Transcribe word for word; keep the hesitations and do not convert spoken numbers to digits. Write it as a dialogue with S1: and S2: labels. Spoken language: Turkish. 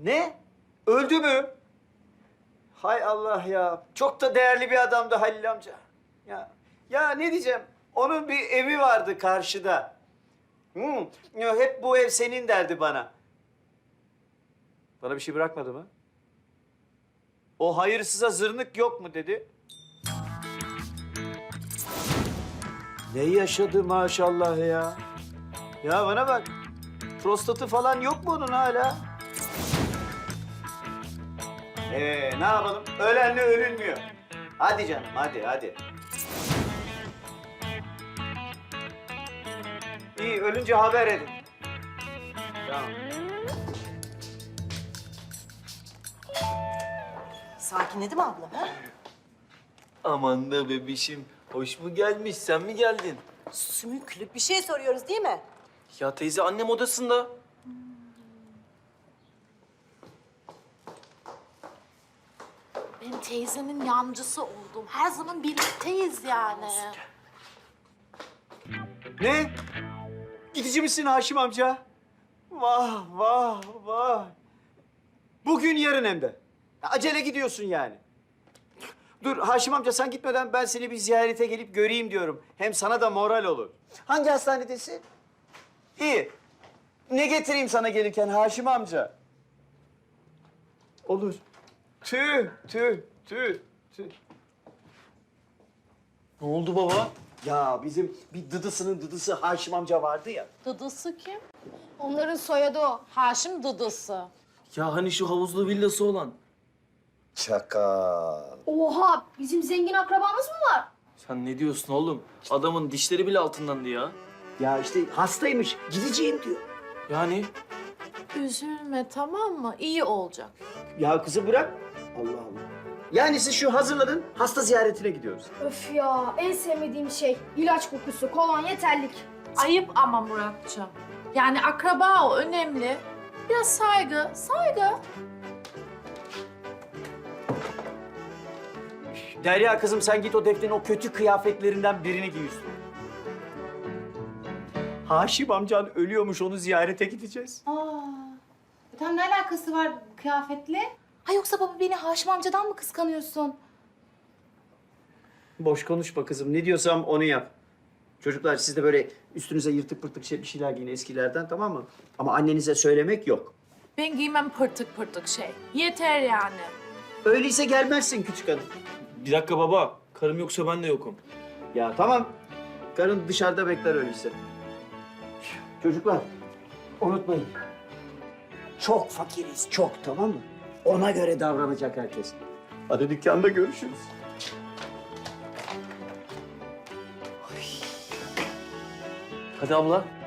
S1: Ne? Öldü mü? Hay Allah ya. Çok da değerli bir adamdı Halil amca. Ya, ya ne diyeceğim? Onun bir evi vardı karşıda. Hmm, ya hep bu ev senin derdi bana. Bana bir şey bırakmadı mı? O hayırsıza zırnık yok mu dedi. Ne yaşadı maşallah ya. Ya bana bak. Prostatı falan yok mu onun hala? Ee, ne yapalım? Ölenle ölünmüyor. Hadi canım, hadi, hadi. İyi, ölünce haber edin. Tamam.
S2: Sakinledi mi ablam ha?
S3: Aman da bebişim. Hoş mu gelmiş? Sen mi geldin?
S2: Sümüklü bir şey soruyoruz değil mi?
S3: Ya teyze annem odasında.
S4: Ben teyzenin yancısı oldum. Her zaman birlikteyiz yani.
S1: Ne? Gidici misin Haşim amca? Vah, vah, vah. Bugün yarın hem de. Acele gidiyorsun yani. Dur Haşim amca sen gitmeden ben seni bir ziyarete gelip göreyim diyorum. Hem sana da moral olur. Hangi hastanedesin? İyi. Ne getireyim sana gelirken Haşim amca? Olur. Tüh, tüh, tüh, tüh.
S3: Ne oldu baba?
S1: Ya bizim bir dıdısının dıdısı Haşim amca vardı ya.
S4: Dıdısı kim? Onların soyadı o. Haşim Dıdısı.
S3: Ya hani şu havuzlu villası olan.
S1: Çakal.
S5: Oha, bizim zengin akrabamız mı var?
S3: Sen ne diyorsun oğlum? Adamın dişleri bile altındandı ya.
S1: Ya işte hastaymış, gideceğim diyor.
S3: Yani
S4: Üzülme tamam mı? İyi olacak.
S1: Ya kızı bırak. Allah Allah. Yani siz şu hazırladın, hasta ziyaretine gidiyoruz.
S5: Öf ya, en sevmediğim şey ilaç kokusu, kolonya, terlik.
S4: Ayıp ama Muratcığım. Yani akraba o önemli. Biraz saygı, saygı.
S1: Derya kızım sen git o Defne'nin o kötü kıyafetlerinden birini giy üstüne. Haşim amcan ölüyormuş, onu ziyarete gideceğiz.
S6: Aa, tam ne alakası var kıyafetle? Ha yoksa baba beni Haşim amcadan mı kıskanıyorsun?
S1: Boş konuşma kızım, ne diyorsam onu yap. Çocuklar siz de böyle üstünüze yırtık pırtık şey, bir şeyler giyin eskilerden, tamam mı? Ama annenize söylemek yok.
S4: Ben giymem pırtık pırtık şey. Yeter yani.
S1: Öyleyse gelmezsin küçük hanım.
S3: bir dakika baba. Karım yoksa ben de yokum.
S1: Ya tamam, karın dışarıda bekler öyleyse. Çocuklar, unutmayın. Çok fakiriz, çok, tamam mı? Ona göre davranacak herkes. Hadi dükkanda görüşürüz.
S3: Hadi abla.